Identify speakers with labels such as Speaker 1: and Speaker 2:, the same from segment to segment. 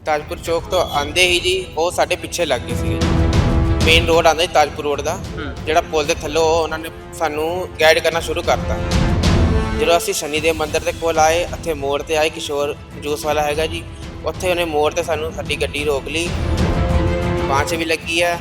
Speaker 1: ਤਾਜਪੁਰ ਚੌਕ ਤੋਂ ਆਂਦੇ ਹੀ ਜੀ ਉਹ ਸਾਡੇ ਪਿੱਛੇ ਲੱਗ ਗਏ ਸੀਗੇ ਜੀ। ਮੇਨ ਰੋਡ ਆਂਦਾ ਜੀ ਤਾਜਪੁਰ ਰੋਡ ਦਾ, ਜਿਹੜਾ ਪੁਲ ਦੇ ਥੱਲੋਂ ਉਹਨਾਂ ਨੇ ਸਾਨੂੰ ਗਾਈਡ ਕਰਨਾ ਸ਼ੁਰੂ ਕਰਤਾ। ਜਦੋਂ ਅਸੀਂ ਸ਼ਨੀ ਦੇ ਮੰਦਿਰ ਦੇ ਕੋਲ ਆਏ, ਇੱਥੇ ਮੋੜ ਤੇ ਆਏ, ਕਿਸ਼ੋਰ ਜੂਸ ਵਾਲਾ ਹੈਗਾ ਜੀ, ਉੱਥੇ ਉਹਨੇ ਮੋੜ ਤੇ ਸਾਨੂੰ ਸਾਡੀ ਗੱਡੀ ਰੋਕ ਲਈ, ਬਾਂਹ 'ਚ ਵੀ ਲੱਗੀ ਆ,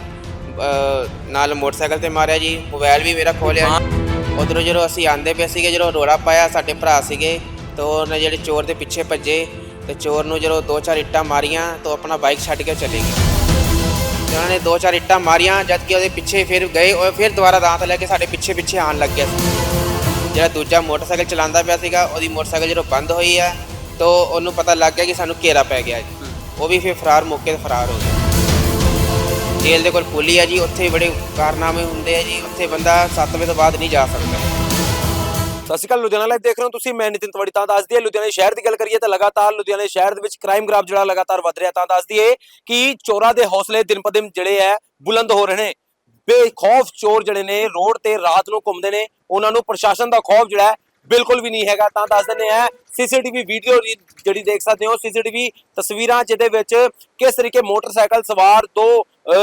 Speaker 1: ਨਾਲ ਮੋਟਰਸਾਈਕਲ ਤੇ ਮਾਰਿਆ ਜੀ, ਮੋਬਾਈਲ ਵੀ ਮੇਰਾ ਖੋਲਿਆ। ਉਧਰੋਂ ਜਦੋਂ ਅਸੀਂ ਆਂਦੇ ਪਏ ਸੀਗੇ, ਜਦੋਂ ਰੋੜਾ ਪਾਇਆ, ਸਾਡੇ ਭਰਾ ਸੀਗੇ ਤਾਂ ਉਹਨੇ ਜਿਹੜੇ ਚੋਰ ਦੇ ਪਿੱਛੇ ਭੱਜੇ ਤੇ ਚੋਰ ਨੂੰ ਜਦੋਂ 2-4 ਇੱਟਾਂ ਮਾਰੀਆਂ ਤਾਂ ਆਪਣਾ ਬਾਈਕ ਛੱਡ ਕੇ ਚਲੇ ਗਏ। ਤੇ ਉਹਨਾਂ ਨੇ 2-4 ਇੱਟਾਂ ਮਾਰੀਆਂ, ਜਦ ਕਿ ਉਹਦੇ ਪਿੱਛੇ ਫਿਰ ਗਏ, ਉਹ ਫਿਰ ਦੁਬਾਰਾ ਦਾਂਤ ਲੈ ਕੇ ਸਾਡੇ ਪਿੱਛੇ ਆਉਣ ਲੱਗ ਗਿਆ ਸੀ। ਜਿਹੜਾ ਦੂਜਾ ਮੋਟਰਸਾਈਕਲ ਚਲਾਉਂਦਾ ਪਿਆ ਸੀਗਾ, ਉਹਦੀ ਮੋਟਰਸਾਈਕਲ ਜਦੋਂ ਬੰਦ ਹੋਈ ਆ ਤਾਂ ਉਹਨੂੰ ਪਤਾ ਲੱਗ ਗਿਆ ਕਿ ਸਾਨੂੰ ਘੇਰਾ ਪੈ ਗਿਆ ਜੀ। ਉਹ ਵੀ ਫਿਰ ਮੌਕੇ ਤੇ ਫਰਾਰ ਹੋ ਗਿਆ। ਜੇਲ੍ਹ ਦੇ ਕੋਲ ਪੁਲੀ ਆ ਜੀ, ਉੱਥੇ ਬੜੇ ਕਾਰਨਾਮੇ ਹੁੰਦੇ ਆ ਜੀ, ਉੱਥੇ ਬੰਦਾ 7 ਵਜੇ ਤੋਂ ਬਾਅਦ ਨਹੀਂ ਜਾ ਸਕਦਾ।
Speaker 2: ਸਤਿ ਸ਼੍ਰੀ ਅਕਾਲ, ਲੁਧਿਆਣਾ ਲਾਈਵ ਦੇਖ ਰਹੇ ਹੋ ਤੁਸੀਂ। ਮੈਂ ਨਿਤਿਨ ਤਵੜੀ। ਤਾਂ ਦੱਸ ਦਈਏ, ਲੁਧਿਆਣਾ ਸ਼ਹਿਰ ਦੀ ਗੱਲ ਕਰੀਏ ਤਾਂ ਲਗਾਤਾਰ ਲੁਧਿਆਣਾ ਸ਼ਹਿਰ ਦੇ ਵਿੱਚ ਕ੍ਰਾਈਮ ਗ੍ਰਾਫ ਜਿਹੜਾ ਲਗਾਤਾਰ ਵੱਧ ਰਿਹਾ। ਤਾਂ ਦੱਸ ਦਈਏ ਕਿ ਚੋਰਾਂ ਦੇ ਹੌਸਲੇ ਦਿਨ ਪ ਦਿਨ ਜਿਹੜੇ ਹੈ ਬੁਲੰਦ ਹੋ ਰਹੇ ਨੇ। ਬੇਖੌਫ ਚੋਰ ਜਿਹੜੇ ਨੇ ਰੋਡ ਤੇ ਰਾਤ ਨੂੰ ਘੁੰਮਦੇ ਨੇ, ਉਹਨਾਂ ਨੂੰ ਪ੍ਰਸ਼ਾਸਨ ਦਾ ਖੌਫ ਜਿਹੜਾ ਹੈ ਬਿਲਕੁਲ ਵੀ ਨਹੀਂ ਹੈਗਾ। ਤਾਂ ਦੱਸ ਦਿੰਦੇ ਆ ਸੀਸੀਟੀਵੀ ਵੀਡੀਓ ਜਿਹੜੀ ਦੇਖ ਸਕਦੇ ਹੋ, ਸੀਸੀਟੀਵੀ ਤਸਵੀਰਾਂ ਜਿਹਦੇ ਵਿੱਚ ਕਿਸ ਤਰੀਕੇ ਮੋਟਰਸਾਈਕਲ ਸਵਾਰ ਦੋ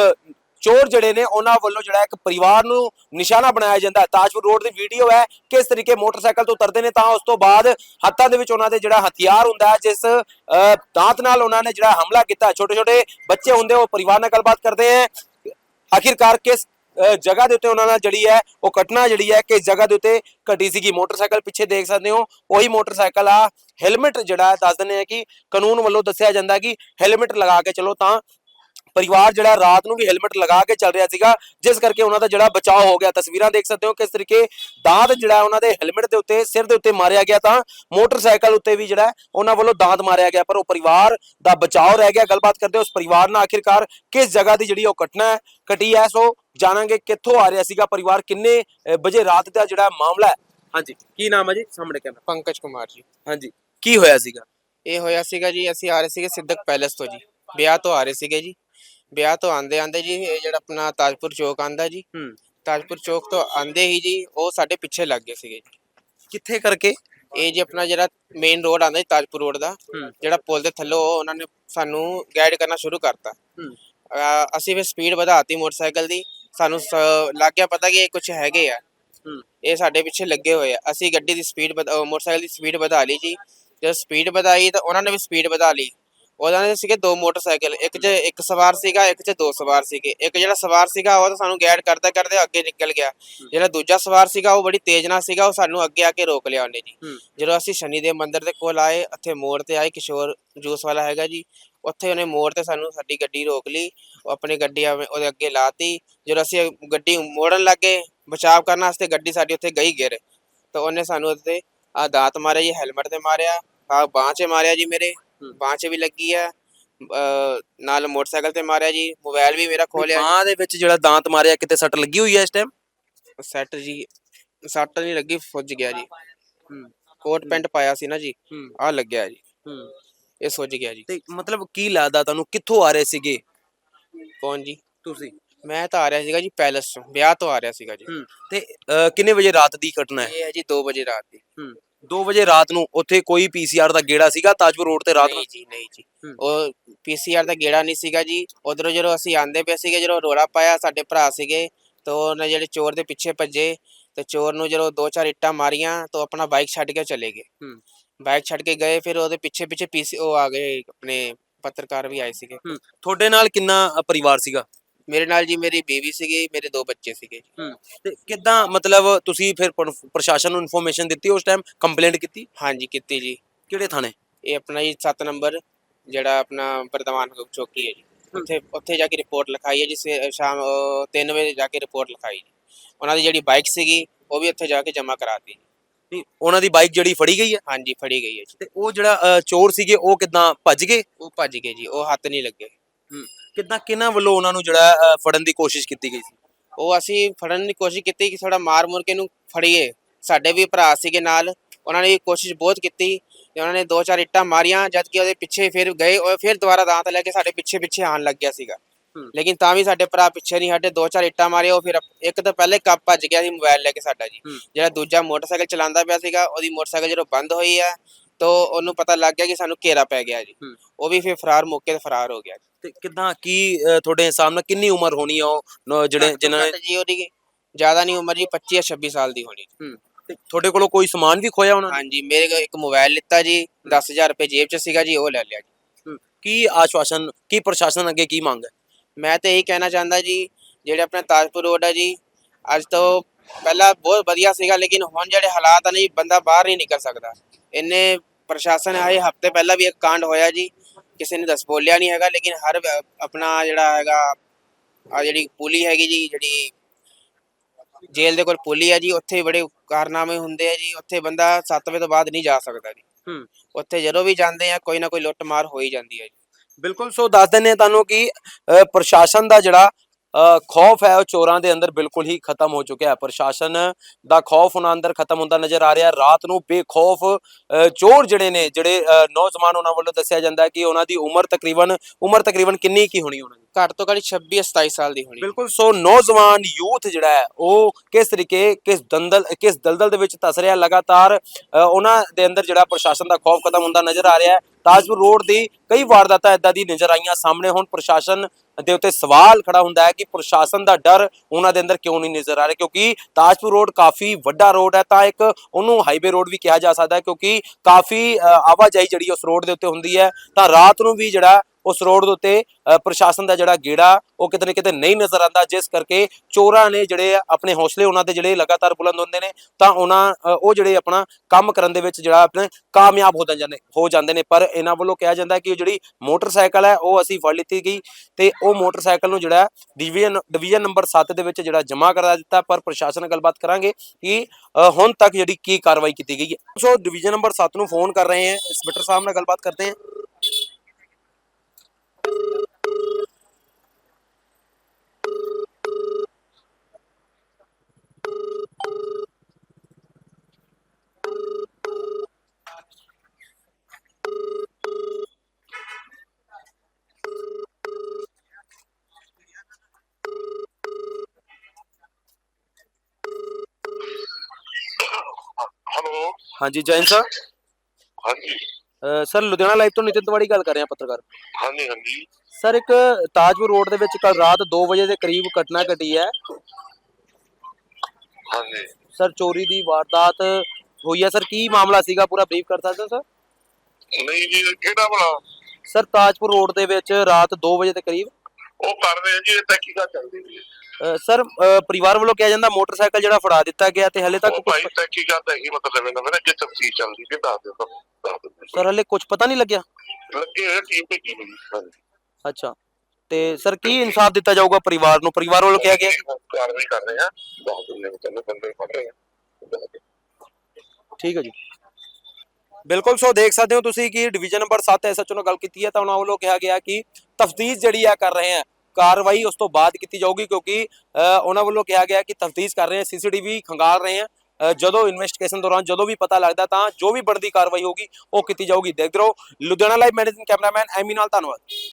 Speaker 2: ਚੋਰ ਜਿਹੜੇ ਨੇ ਉਹਨਾਂ ਵੱਲੋਂ ਜਿਹੜਾ ਇੱਕ ਪਰਿਵਾਰ ਨੂੰ ਨਿਸ਼ਾਨਾ ਬਣਾਇਆ ਜਾਂਦਾ। ਤਾਜਪੁਰ ਰੋਡ ਦੀ ਵੀਡੀਓ ਹੈ, ਕਿਸ ਤਰੀਕੇ ਮੋਟਰਸਾਈਕਲ ਤੋਂ ਉਤਰਦੇ ਨੇ, ਤਾਂ ਉਸ ਤੋਂ ਬਾਅਦ ਹੱਥਾਂ ਦੇ ਵਿੱਚ ਉਹਨਾਂ ਦੇ ਜਿਹੜਾ ਹਥਿਆਰ ਹੁੰਦਾ ਹੈ, ਜਿਸ ਦਾਤ ਨਾਲ ਉਹਨਾਂ ਨੇ ਜਿਹੜਾ ਹਮਲਾ ਕੀਤਾ। ਛੋਟੇ ਛੋਟੇ ਬੱਚੇ ਹੁੰਦੇ, ਉਹ ਪਰਿਵਾਰ ਨਾਲ ਗੱਲਬਾਤ ਕਰਦੇ ਹੈ। ਆਖਿਰਕਾਰ ਕਿਸ ਜਗ੍ਹਾ ਦੇ ਉੱਤੇ ਉਹਨਾਂ ਨਾਲ ਜਿਹੜੀ ਹੈ ਉਹ ਘਟਨਾ ਜਿਹੜੀ ਹੈ ਕਿਸ ਜਗ੍ਹਾ ਦੇ ਉੱਤੇ ਘਟੀ ਸੀਗੀ। ਮੋਟਰਸਾਈਕਲ ਪਿੱਛੇ ਦੇਖ ਸਕਦੇ ਹੋ, ਉਹੀ ਮੋਟਰਸਾਈਕਲ ਆ। ਹੈਲਮਟ ਜਿਹੜਾ ਦੱਸ ਦਿੰਦੇ ਆ ਕਿ ਕਾਨੂੰਨ ਵੱਲੋਂ ਦੱਸਿਆ ਜਾਂਦਾ ਕਿ ਹੈਲਮਟ ਲਗਾ ਕੇ ਚਲੋ, ਤਾਂ ਪਰਿਵਾਰ ਜਿਹੜਾ ਰਾਤ ਨੂੰ ਵੀ ਹੈਲਮਟ ਲਗਾ ਕੇ ਚੱਲ ਰਿਹਾ ਸੀਗਾ, ਜਿਸ ਕਰਕੇ ਉਹਨਾਂ ਦਾ ਜਿਹੜਾ ਬਚਾਅ ਹੋ ਗਿਆ। ਤਸਵੀਰਾਂ ਦੇਖ ਸਕਦੇ ਹੋ ਕਿਸ ਤਰੀਕੇ ਦਾਤ ਜਿਹੜਾ ਉਹਨਾਂ ਦੇ ਹੈਲਮਟ ਦੇ ਉੱਤੇ, ਸਿਰ ਦੇ ਉੱਤੇ ਮਾਰਿਆ ਗਿਆ, ਤਾਂ ਮੋਟਰਸਾਈਕਲ ਉੱਤੇ ਵੀ ਜਿਹੜਾ ਉਹਨਾਂ ਵੱਲੋਂ ਦਾਤ ਮਾਰਿਆ ਗਿਆ, ਪਰ ਉਹ ਪਰਿਵਾਰ ਦਾ ਬਚਾਅ ਰਹਿ ਗਿਆ। ਗੱਲਬਾਤ ਕਰਦੇ ਉਸ ਪਰਿਵਾਰ ਨਾਲ, ਆਖਿਰਕਾਰ ਕਿਸ ਜਗ੍ਹਾ ਦੀ ਜਿਹੜੀ ਉਹ ਘਟਨਾ ਘਟੀ ਹੈ, ਸੋ ਜਾਣਾਂਗੇ ਕਿੱਥੋਂ ਆ ਰਿਹਾ ਸੀਗਾ ਪਰਿਵਾਰ, ਕਿੰਨੇ ਵਜੇ ਰਾਤ ਦਾ ਜਿਹੜਾ ਮਾਮਲਾ ਹੈ। ਹਾਂਜੀ, ਕੀ ਨਾਮ ਹੈ ਜੀ? ਸਾਹਮਣੇ ਕੈਮਰਾ।
Speaker 1: ਪੰਕਜ ਕੁਮਾਰ ਜੀ।
Speaker 2: ਹਾਂਜੀ, ਕੀ ਹੋਇਆ ਸੀਗਾ?
Speaker 1: ਇਹ ਹੋਇਆ ਸੀਗਾ ਜੀ, ਅਸੀਂ ਆ ਰਹੇ ਸੀਗੇ ਸਿੱਧਕ ਪੈਲੇਸ ਤੋਂ ਜੀ, ਵਿਆਹ ਤੋਂ ਆ ਰਹੇ ਸੀਗੇ ਜੀ। ਵਿਆਹ ਤੋਂ ਆਂਦੇ ਜੀ ਇਹ ਜਿਹੜਾ ਆਪਣਾ ਤਾਜਪੁਰ ਚੌਕ ਆਂਦਾ ਜੀ, ਤਾਜਪੁਰ ਚੌਕ ਤੋਂ ਆਂਦੇ ਹੀ ਜੀ ਉਹ ਸਾਡੇ ਪਿੱਛੇ ਲੱਗ ਗਏ ਸੀਗੇ ਜੀ।
Speaker 2: ਕਿੱਥੇ ਕਰਕੇ?
Speaker 1: ਇਹ ਜੀ ਆਪਣਾ ਜਿਹੜਾ ਮੇਨ ਰੋਡ ਆਂਦਾ ਜੀ ਤਾਜਪੁਰ ਰੋਡ ਦਾ, ਜਿਹੜਾ ਪੁਲ ਦੇ ਥੱਲੋਂ ਉਹਨਾਂ ਨੇ ਸਾਨੂੰ ਗਾਈਡ ਕਰਨਾ ਸ਼ੁਰੂ ਕਰਤਾ। ਅਸੀਂ ਫਿਰ ਸਪੀਡ ਵਧਾਤੀ ਮੋਟਰਸਾਈਕਲ ਦੀ, ਸਾਨੂੰ ਲੱਗ ਗਿਆ ਪਤਾ ਕਿ ਇਹ ਕੁਝ ਹੈਗੇ ਆ, ਇਹ ਸਾਡੇ ਪਿੱਛੇ ਲੱਗੇ ਹੋਏ ਆ। ਅਸੀਂ ਗੱਡੀ ਦੀ ਸਪੀਡ ਮੋਟਰਸਾਈਕਲ ਦੀ ਸਪੀਡ ਵਧਾ ਲਈ ਜੀ। ਜਦੋਂ ਸਪੀਡ ਵਧਾਈ ਤਾਂ ਉਹਨਾਂ ਨੇ ਵੀ ਸਪੀਡ ਵਧਾ ਲਈ। ਉਹਨਾਂ ਦੇ ਸੀਗੇ 2 ਮੋਟਰਸਾਈਕਲ, ਇੱਕ 'ਚ 1 ਸਵਾਰ ਸੀਗਾ, ਇੱਕ 'ਚ 2 ਸਵਾਰ ਸੀਗੇ। ਇੱਕ ਜਿਹੜਾ ਸਵਾਰ ਸੀਗਾ ਉਹ ਤਾਂ ਸਾਨੂੰ ਗਾਈਡ ਕਰਦੇ ਅੱਗੇ ਨਿਕਲ ਗਿਆ। ਜਿਹੜਾ ਦੂਜਾ ਸਵਾਰ ਸੀਗਾ ਉਹ ਬੜੀ ਤੇਜ਼ ਨਾਲ ਸੀਗਾ, ਉਹ ਸਾਨੂੰ ਅੱਗੇ ਆ ਕੇ ਰੋਕ ਲਿਆ ਉਹਨੇ ਜੀ। ਜਦੋਂ ਅਸੀਂ ਸ਼ਨੀ ਦੇ ਮੰਦਿਰ ਦੇ ਕੋਲ ਆਏ, ਇੱਥੇ ਮੋੜ ਤੇ ਆਏ, ਕਿਸ਼ੋਰ ਜੂਸ ਵਾਲਾ ਹੈਗਾ ਜੀ, ਉੱਥੇ ਉਹਨੇ ਮੋੜ ਤੇ ਸਾਨੂੰ ਸਾਡੀ ਗੱਡੀ ਰੋਕ ਲਈ, ਉਹ ਆਪਣੀ ਗੱਡੀ ਉਹਦੇ ਅੱਗੇ ਲਾਤੀ। ਜਦੋਂ ਅਸੀਂ ਗੱਡੀ ਮੋੜਨ ਲੱਗੇ ਬਚਾਅ ਕਰਨ ਵਾਸਤੇ, ਗੱਡੀ ਸਾਡੀ ਉੱਥੇ ਗਈ ਗਿਰ, ਤਾਂ ਉਹਨੇ ਸਾਨੂੰ ਉੱਤੇ ਆਹ ਦਾਤ ਮਾਰਿਆ ਜੀ, ਹੈਲਮਟ ਤੇ ਮਾਰਿਆ, ਆਹ ਬਾਂਹ 'ਚ ਮਾਰਿਆ ਜੀ, ਮੇਰੇ ਬਾਂਹ 'ਚ ਵੀ ਲੱਗੀ ਆ, ਨਾਲ ਮੋਟਰਸਾਈਕਲ ਤੇ ਮਾਰਿਆ ਜੀ, ਮੋਬਾਈਲ ਵੀ ਮੇਰਾ ਖੋਲਿਆ।
Speaker 2: ਬਾਂਹ ਦੇ ਵਿੱਚ ਜਿਹੜਾ ਦਾਂਤ ਮਾਰਿਆ, ਕਿਤੇ ਸੱਟ ਲੱਗੀ ਹੋਈ ਹੈ ਇਸ ਟਾਈਮ?
Speaker 1: ਸੱਟ ਜੀ, ਸੱਟ ਨਹੀਂ ਲੱਗੀ, ਸੁੱਜ ਗਿਆ ਜੀ। ਕੋਟ ਪੈਂਟ ਪਾਇਆ ਸੀ ਨਾ ਜੀ, ਆਹ ਲੱਗਿਆ ਜੀ, ਇਹ ਸੁੱਜ ਗਿਆ ਜੀ।
Speaker 2: ਤੇ ਮਤਲਬ ਕੀ ਲੱਗਦਾ ਤੁਹਾਨੂੰ, ਕਿੱਥੋਂ ਆ ਰਹੇ ਸੀਗੇ?
Speaker 1: ਕੌਣ ਜੀ?
Speaker 2: ਤੁਸੀਂ?
Speaker 1: ਮੈਂ ਤਾਂ ਆ ਰਿਹਾ ਸੀਗਾ ਜੀ ਪੈਲਸ ਤੋਂ, ਵਿਆਹ ਤੋਂ ਆ ਰਿਹਾ ਸੀਗਾ ਜੀ।
Speaker 2: ਤੇ ਕਿੰਨੇ ਵਜੇ ਰਾਤ ਦੀ ਘਟਨਾ ਹੈ?
Speaker 1: ਇਹ ਹੈ ਜੀ 2 ਵਜੇ ਰਾਤ ਦੀ।
Speaker 2: 2 ਵਜੇ ਰਾਤ ਨੂੰ ਉੱਥੇ ਕੋਈ ਪੀਸੀਆਰ ਦਾ ਗੇੜਾ ਸੀਗਾ ਤਾਜਪੁਰ ਰੋਡ ਤੇ ਰਾਤ ਨੂੰ?
Speaker 1: ਨਹੀਂ ਜੀ, ਉਹ ਪੀਸੀਆਰ ਦਾ ਗੇੜਾ ਨਹੀਂ ਸੀਗਾ ਜੀ। ਉਧਰੋਂ ਜਦੋਂ ਅਸੀਂ ਆਂਦੇ ਪਏ ਸੀਗੇ, ਜਦੋਂ ਰੋੜਾ ਪਾਇਆ, ਸਾਡੇ ਭਰਾ ਸੀਗੇ ਤਾਂ ਉਹਨੇ ਜਿਹੜੇ ਚੋਰ ਦੇ ਪਿੱਛੇ ਭੱਜੇ, ਤੇ ਚੋਰ ਨੂੰ ਜਦੋਂ 2-4 ਇੱਟਾਂ ਮਾਰੀਆਂ ਤਾਂ ਆਪਣਾ ਬਾਈਕ ਛੱਡ ਕੇ ਚਲੇ ਗਏ। ਬਾਈਕ ਛੱਡ ਕੇ ਗਏ, ਫਿਰ ਉਹਦੇ ਪਿੱਛੇ ਉਹ ਆ ਗਏ, ਆਪਣੇ ਪੱਤਰਕਾਰ ਵੀ ਆਏ ਸੀਗੇ।
Speaker 2: ਤੁਹਾਡੇ ਨਾਲ ਕਿੰਨਾ ਪਰਿਵਾਰ ਸੀਗਾ?
Speaker 1: ਮੇਰੇ ਨਾਲ ਜੀ ਮੇਰੀ ਬੀਵੀ ਸੀਗੀ, ਮੇਰੇ 2 ਬੱਚੇ ਸੀਗੇ ਜੀ।
Speaker 2: ਤੇ ਕਿੱਦਾਂ ਮਤਲਬ ਤੁਸੀਂ ਫਿਰ ਪ੍ਰਸ਼ਾਸਨ ਨੂੰ ਇਨਫੋਰਮੇਸ਼ਨ ਦਿੱਤੀ, ਉਸ ਟਾਈਮ ਕੰਪਲੇਂਟ ਕੀਤੀ?
Speaker 1: ਹਾਂਜੀ ਕੀਤੀ ਜੀ।
Speaker 2: ਕਿਹੜੇ ਥਾਣੇ?
Speaker 1: ਇਹ ਆਪਣਾ ਜੀ 7 ਨੰਬਰ ਜਿਹੜਾ ਆਪਣਾ ਵਰਤਮਾਨ ਚੌਕੀ ਹੈ ਜੀ, ਉੱਥੇ ਜਾ ਕੇ ਰਿਪੋਰਟ ਲਿਖਾਈ ਹੈ ਜੀ। ਸ਼ਾਮ 3 ਵਜੇ ਜਾ ਕੇ ਰਿਪੋਰਟ ਲਿਖਾਈ ਜੀ। ਉਹਨਾਂ ਦੀ ਜਿਹੜੀ ਬਾਈਕ ਸੀਗੀ ਉਹ ਵੀ ਉੱਥੇ ਜਾ ਕੇ ਜਮ੍ਹਾਂ ਕਰਾਤੀ।
Speaker 2: ਉਹਨਾਂ ਦੀ ਬਾਈਕ ਜਿਹੜੀ ਫੜੀ ਗਈ ਹੈ?
Speaker 1: ਹਾਂਜੀ ਫੜੀ ਗਈ ਹੈ ਜੀ।
Speaker 2: ਤੇ ਉਹ ਜਿਹੜਾ ਚੋਰ ਸੀਗੇ ਉਹ ਕਿੱਦਾਂ ਭੱਜ ਗਏ?
Speaker 1: ਉਹ ਭੱਜ ਗਏ ਜੀ, ਉਹ ਹੱਥ ਨਹੀਂ ਲੱਗੇ।
Speaker 2: ਕਿੱਦਾਂ, ਕਿਹਨਾਂ ਵੱਲੋਂ ਉਹਨਾਂ ਨੂੰ ਜਿਹੜਾ ਫੜਨ ਦੀ ਕੋਸ਼ਿਸ਼ ਕੀਤੀ ਗਈ ਸੀ?
Speaker 1: ਉਹ ਅਸੀਂ ਫੜਨ ਦੀ ਕੋਸ਼ਿਸ਼ ਕੀਤੀ ਕਿ ਥੋੜਾ ਮਾਰ ਮੁਰ ਕੇ ਇਹਨੂੰ ਫੜੀਏ। ਸਾਡੇ ਵੀ ਭਰਾ ਸੀਗੇ ਨਾਲ, ਉਹਨਾਂ ਨੇ ਕੋਸ਼ਿਸ਼ ਬਹੁਤ ਕੀਤੀ ਤੇ ਉਹਨਾਂ ਨੇ 2-4 ਇੱਟਾਂ ਮਾਰੀਆਂ, ਜਦ ਕਿ ਉਹਦੇ ਪਿੱਛੇ ਫਿਰ ਗਏ, ਉਹ ਫਿਰ ਦੁਬਾਰਾ ਦਾਂਤ ਲੈ ਕੇ ਸਾਡੇ ਪਿੱਛੇ ਆਉਣ ਲੱਗ ਗਿਆ ਸੀਗਾ। ਲੇਕਿਨ ਤਾਂ ਵੀ ਸਾਡੇ ਭਰਾ ਪਿੱਛੇ ਨਹੀਂ ਹਟੇ। 2-4 ਇੱਟਾਂ ਮਾਰੀਆਂ, ਉਹ ਫਿਰ ਇੱਕ ਤਾਂ ਪਹਿਲੇ ਭੱਜ ਗਿਆ ਸੀ ਮੋਬਾਈਲ ਲੈ ਕੇ ਸਾਡਾ ਜੀ। ਜਿਹੜਾ ਦੂਜਾ ਮੋਟਰਸਾਈਕਲ ਚਲਾਉਂਦਾ ਪਿਆ ਸੀਗਾ, ਉਹਦੀ ਮੋਟਰਸਾਈਕਲ ਜਦੋਂ ਬੰਦ ਹੋਈ ਆ तो ਉਹਨੂੰ ਪਤਾ ਲੱਗ ਗਿਆ ਕਿ ਸਾਨੂੰ ਘੇਰਾ ਪੈ ਗਿਆ ਜੀ।
Speaker 2: ਹੂੰ।
Speaker 1: ਉਹ ਵੀ ਫਿਰ ਫਰਾਰ ਮੌਕੇ ਤੇ ਫਰਾਰ ਹੋ ਗਿਆ ਜੀ।
Speaker 2: ਤੇ ਕਿੱਦਾਂ ਕੀ ਤੁਹਾਡੇ ਹਿਸਾਬ ਨਾਲ ਕਿੰਨੀ ਉਮਰ ਹੋਣੀ ਆ ਉਹ ਜਿਹੜੇ
Speaker 1: ਘੱਟ ਤੋਂ
Speaker 2: ਜਿਨ੍ਹਾਂ ਨੇ
Speaker 1: ਘੱਟ ਜੀ ਉਹਦੀ ਜ਼ਿਆਦਾ ਨਹੀਂ ਉਮਰ ਜੀ 25 ਜਾਂ 26 ਸਾਲ ਦੀ ਹੋਣੀ।
Speaker 2: ਤੇ ਤੁਹਾਡੇ ਕੋਲੋਂ ਕੋਈ ਸਮਾਨ ਵੀ ਖੋਇਆ ਉਹਨਾਂ ਨੇ?
Speaker 1: ਹਾਂਜੀ ਮੇਰੇ ਕੋਲ ਇੱਕ ਮੋਬਾਈਲ ਲਿੱਤਾ ਜੀ, 10,000 ਰੁਪਏ ਜੇਬ 'ਚ ਸੀਗਾ ਜੀ, ਉਹ ਲੈ ਲਿਆ ਜੀ।
Speaker 2: ਕੀ ਆਸ਼ਵਾਸਨ ਕੀ ਪ੍ਰਸ਼ਾਸਨ ਅੱਗੇ ਕੀ ਮੰਗ ਹੈ?
Speaker 1: ਮੈਂ ਤਾਂ ਇਹੀ ਕਹਿਣਾ ਚਾਹੁੰਦਾ ਜੀ, ਜਿਹੜੇ ਆਪਣਾ ਤਾਜਪੁਰ ਰੋਡ ਹੈ ਜੀ, ਅੱਜ ਤੋਂ ਪਹਿਲਾਂ ਬਹੁਤ ਵਧੀਆ ਸੀਗਾ, ਲੇਕਿਨ ਹੁਣ ਜਿਹੜੇ ਹਾਲਾਤ ਹਨ ਜੀ, ਬੰਦਾ ਬਾਹਰ ਨਹੀਂ ਨਿਕਲ ਸਕਦਾ। ਇੰਨੇ ਪ੍ਰਸ਼ਾਸਨ ਆਏ ਹਫ਼ਤੇ ਪਹਿਲਾਂ ਵੀ ਇੱਕ ਕਾਂਡ ਹੋਇਆ ਜੀ, ਕਿਸੇ ਨੇ ਦੱਸ ਬੋਲਿਆ ਨਹੀਂ ਹੈਗਾ, ਲੇਕਿਨ ਹਰ ਆਪਣਾ ਜਿਹੜਾ ਹੈਗਾ ਆ ਜਿਹੜੀ ਪੁਲੀ ਹੈਗੀ ਜੀ, ਜਿਹੜੀ ਜੇਲ੍ਹ ਦੇ ਕੋਲ ਪੁਲੀ ਹੈ ਜੀ, ਉੱਥੇ ਬੜੇ ਕਾਰਨਾਮੇ ਹੁੰਦੇ ਆ ਜੀ। ਉੱਥੇ ਬੰਦਾ 7 ਵਜੇ ਤੋਂ ਬਾਅਦ ਨਹੀਂ ਜਾ ਸਕਦਾ ਜੀ। ਉੱਥੇ ਜਦੋਂ ਵੀ ਜਾਂਦੇ ਆ ਕੋਈ ਨਾ ਕੋਈ ਲੁੱਟ ਮਾਰ ਹੋ ਹੀ ਜਾਂਦੀ ਹੈ ਜੀ।
Speaker 2: ਬਿਲਕੁਲ, ਸੋ ਦੱਸ ਦਿੰਦੇ ਹਾਂ ਤੁਹਾਨੂੰ ਕਿ ਪ੍ਰਸ਼ਾਸਨ ਦਾ ਜਿਹੜਾ ਖੌਫ ਹੈ ਉਹ ਚੋਰਾਂ ਦੇ ਅੰਦਰ ਬਿਲਕੁਲ ਹੀ ਖਤਮ ਹੋ ਚੁੱਕਿਆ ਹੈ। ਪ੍ਰਸ਼ਾਸਨ ਦਾ ਖੌਫ ਉਹਨਾਂ ਅੰਦਰ ਖਤਮ ਹੁੰਦਾ ਨਜ਼ਰ ਆ ਰਿਹਾ। ਰਾਤ ਨੂੰ ਬੇਖੌਫ ਚੋਰ ਜਿਹੜੇ ਨੇ, ਜਿਹੜੇ ਨੌਜਵਾਨ, ਉਹਨਾਂ ਵੱਲੋਂ ਦੱਸਿਆ ਜਾਂਦਾ ਹੈ ਕਿ ਉਹਨਾਂ ਦੀ ਉਮਰ ਤਕਰੀਬਨ ਕਿੰਨੀ ਕੀ ਹੋਣੀ ਉਹਨਾਂ ਦੀ?
Speaker 1: ਘੱਟ ਤੋਂ ਘੱਟ 26 ਜਾਂ 27 ਸਾਲ ਦੀ ਹੋਣੀ।
Speaker 2: ਬਿਲਕੁਲ, ਸੋ ਨੌਜਵਾਨ ਯੂਥ ਜਿਹੜਾ ਹੈ ਉਹ ਕਿਸ ਤਰੀਕੇ ਕਿਸ ਦਲਦਲ ਦੇ ਵਿੱਚ ਧਸ ਰਿਹਾ। ਲਗਾਤਾਰ ਉਹਨਾਂ ਦੇ ਅੰਦਰ ਜਿਹੜਾ ਪ੍ਰਸ਼ਾਸਨ ਦਾ ਖੌਫ ਖਤਮ ਹੁੰਦਾ ਨਜ਼ਰ ਆ ਰਿਹਾ ਹੈ। ਤਾਜਪੁਰ ਰੋਡ ਦੀ ਕਈ ਵਾਰਦਾਤਾਂ ਇਦਾਂ ਦੀ ਨਜ਼ਰ ਆਈਆਂ ਸਾਹਮਣੇ। ਹੁਣ ਪ੍ਰਸ਼ਾਸਨ ਦੇ ਉੱਤੇ ਸਵਾਲ ਖੜਾ ਹੁੰਦਾ ਹੈ ਕਿ ਪ੍ਰਸ਼ਾਸਨ ਦਾ ਡਰ ਉਹਨਾਂ ਦੇ ਅੰਦਰ ਕਿਉਂ ਨਹੀਂ ਨਜ਼ਰ ਆ ਰਿਹਾ, ਕਿਉਂਕਿ ਤਾਜਪੁਰ ਰੋਡ ਕਾਫੀ ਵੱਡਾ ਰੋਡ ਹੈ, ਤਾਂ ਇੱਕ ਉਹਨੂੰ ਹਾਈਵੇ ਰੋਡ ਵੀ ਕਿਹਾ ਜਾ ਸਕਦਾ ਹੈ, ਕਿਉਂਕਿ ਕਾਫੀ ਆਵਾਜਾਈ ਜਿਹੜੀ ਉਸ ਰੋਡ ਦੇ ਉੱਤੇ ਹੁੰਦੀ ਹੈ। ਤਾਂ ਰਾਤ ਨੂੰ ਵੀ ਜਿਹੜਾ ਉਸ ਰੋਡ ਦੇ ਉੱਤੇ ਪ੍ਰਸ਼ਾਸਨ ਦਾ ਜਿਹੜਾ ਗੇੜਾ ਉਹ ਕਿਤੇ ਨਾ ਕਿਤੇ ਨਹੀਂ ਨਜ਼ਰ ਆਉਂਦਾ, ਜਿਸ ਕਰਕੇ ਚੋਰਾਂ ਨੇ ਜਿਹੜੇ ਆਪਣੇ ਹੌਸਲੇ ਉਹਨਾਂ ਦੇ ਜਿਹੜੇ ਲਗਾਤਾਰ ਬੁਲੰਦ ਹੁੰਦੇ ਨੇ, ਤਾਂ ਉਹ ਜਿਹੜੇ ਆਪਣਾ ਕੰਮ ਕਰਨ ਦੇ ਵਿੱਚ ਜਿਹੜਾ ਆਪਣੇ ਕਾਮਯਾਬ ਹੋ ਜਾਂਦੇ ਨੇ। ਪਰ ਇਹਨਾਂ ਵੱਲੋਂ ਕਿਹਾ ਜਾਂਦਾ ਹੈ ਕਿ ਜਿਹੜੀ ਮੋਟਰਸਾਈਕਲ ਹੈ ਉਹ ਅਸੀਂ ਫੜ ਲਿੱਤੀ ਗਈ ਤੇ ਉਹ ਮੋਟਰਸਾਈਕਲ ਨੂੰ ਜਿਹੜਾ ਡਿਵੀਜ਼ਨ ਨੰਬਰ 7 ਦੇ ਵਿੱਚ ਜਿਹੜਾ ਜਮ੍ਹਾਂ ਕਰਾ ਦਿੱਤਾ। ਪਰ ਪ੍ਰਸ਼ਾਸਨ ਨਾਲ ਗੱਲਬਾਤ ਕਰਾਂਗੇ ਕਿ ਹੁਣ ਤੱਕ ਜਿਹੜੀ ਕੀ ਕਾਰਵਾਈ ਕੀਤੀ ਗਈ ਹੈ। ਸੋ ਡਿਵੀਜ਼ਨ ਨੰਬਰ 7 ਨੂੰ ਫੋਨ ਕਰ ਰਹੇ ਹਾਂ, ਇੰਸਪੈਕਟਰ ਸਾਹਿਬ ਨਾਲ ਗੱਲਬਾਤ ਕਰਦੇ ਹਾਂ।
Speaker 3: हेलो।
Speaker 2: हाँ जी, जैन सर।
Speaker 3: हाँ जी।
Speaker 2: ਸਰ ਲੁਧਿਆਣਾ ਲਾਈਵ ਤੋਂ ਨਿਤਿਨ ਤਿਵਾੜੀ ਗੱਲ ਕਰ ਰਹੇ ਹਾਂ, ਪੱਤਰਕਾਰ।
Speaker 3: हाँ जी। हाँ जी।
Speaker 2: ਸਰ ਇੱਕ ਤਾਜਪੁਰ ਰੋਡ ਦੇ ਵਿੱਚ ਕੱਲ ਰਾਤ 2 ਵਜੇ ਦੇ ਕਰੀਬ ਘਟਨਾ ਘਟੀ ਹੈ।
Speaker 3: हाँ जी।
Speaker 2: ਸਰ ਚੋਰੀ ਦੀ ਵਾਰਦਾਤ ਹੋਈ ਹੈ। ਸਰ ਕੀ ਮਾਮਲਾ ਸੀਗਾ, ਪੂਰਾ ਬਰੀਫ ਕਰ ਸਕਦੇ ਹੋ ਸਰ?
Speaker 3: नहीं जी, केड़ा भला?
Speaker 2: ਸਰ ਤਾਜਪੁਰ ਰੋਡ ਦੇ ਵਿੱਚ ਰਾਤ 2 ਵਜੇ ਦੇ ਕਰੀਬ
Speaker 3: ਉਹ ਕਰ ਰਹੇ ਜੀ, ਤਹਿਕੀਕਾਤ ਚੱਲਦੀ ਪਈ ਹੈ।
Speaker 2: ਸਰ ਪਰਿਵਾਰ ਵੱਲੋਂ ਕਿਹਾ ਜਾਂਦਾ ਮੋਟਰਸਾਈਕਲ ਜਿਹੜਾ ਫੜਾ ਦਿੱਤਾ ਗਿਆ ਤੇ ਹਲੇ ਤੱਕ
Speaker 3: ਉਹ ਭਾਈ ਤਹਿਕੀਕਾਤ ਹੈਗੀ, ਮਤਲਬ ਇਹਨਾਂ ਦਾ ਕਿ ਤਫਸੀਲ ਚੱਲਦੀ ਪਈ, ਦੱਸ ਦਿਓ
Speaker 2: ਸਰ ਹਲੇ ਕੁਝ ਪਤਾ ਨਹੀਂ ਲੱਗਿਆ।
Speaker 3: ਲੱਗੇ ਹੋਏ ਟੀਮ ਤੇ ਕੀ ਹੋਈ। ਹਾਂਜੀ।
Speaker 2: ਅੱਛਾ, ਤੇ ਸਰ ਕੀ ਇਨਸਾਫ ਦਿੱਤਾ ਜਾਊਗਾ ਪਰਿਵਾਰ ਨੂੰ? ਪਰਿਵਾਰ ਵੱਲੋਂ ਕਿਹਾ ਗਿਆ
Speaker 3: ਕਾਰਵਾਈ ਕਰ ਰਹੇ ਆ, ਦੱਸ ਦਿੰਦੇ ਹਾਂ, ਚੱਲੋ ਬੰਦੇ ਫੜ ਰਹੇ ਆ।
Speaker 2: ਠੀਕ ਹੈ ਜੀ। ਬਿਲਕੁਲ, ਸੋ ਦੇਖ ਸਕਦੇ ਹੋ ਤੁਸੀਂ ਕਿ ਡਿਵੀਜ਼ਨ ਨੰਬਰ 7 ਐਸਐਚਓ ਨਾਲ ਗੱਲ ਕੀਤੀ ਹੈ ਤਾਂ ਉਹਨਾਂ ਵੱਲੋਂ ਕਿਹਾ ਗਿਆ ਕਿ ਤਫਤੀਸ਼ ਜਿਹੜੀ ਆ ਕਰ ਰਹੇ ਆ, ਕਾਰਵਾਈ ਉਸ ਤੋਂ ਬਾਅਦ ਕੀਤੀ ਜਾਊਗੀ, ਕਿਉਂਕਿ ਉਹਨਾਂ ਵੱਲੋਂ ਕਿਹਾ ਗਿਆ ਕਿ ਤਫਤੀਸ਼ ਕਰ ਰਹੇ ਆ, ਸੀਸੀਟੀਵੀ ਖੰਗਾਲ ਰਹੇ ਆ। ਜਦੋਂ ਇਨਵੈਸਟੀਗੇਸ਼ਨ ਦੌਰਾਨ ਜਦੋਂ ਵੀ ਪਤਾ ਲੱਗਦਾ ਤਾਂ ਜੋ ਵੀ ਬਣਦੀ ਕਾਰਵਾਈ ਹੋਗੀ ਉਹ ਕੀਤੀ ਜਾਊਗੀ। ਦੇਖਦੇ ਰਹੋ Ludhiana live, managing cameraman Amy ਨਾਲ, ਧੰਨਵਾਦ।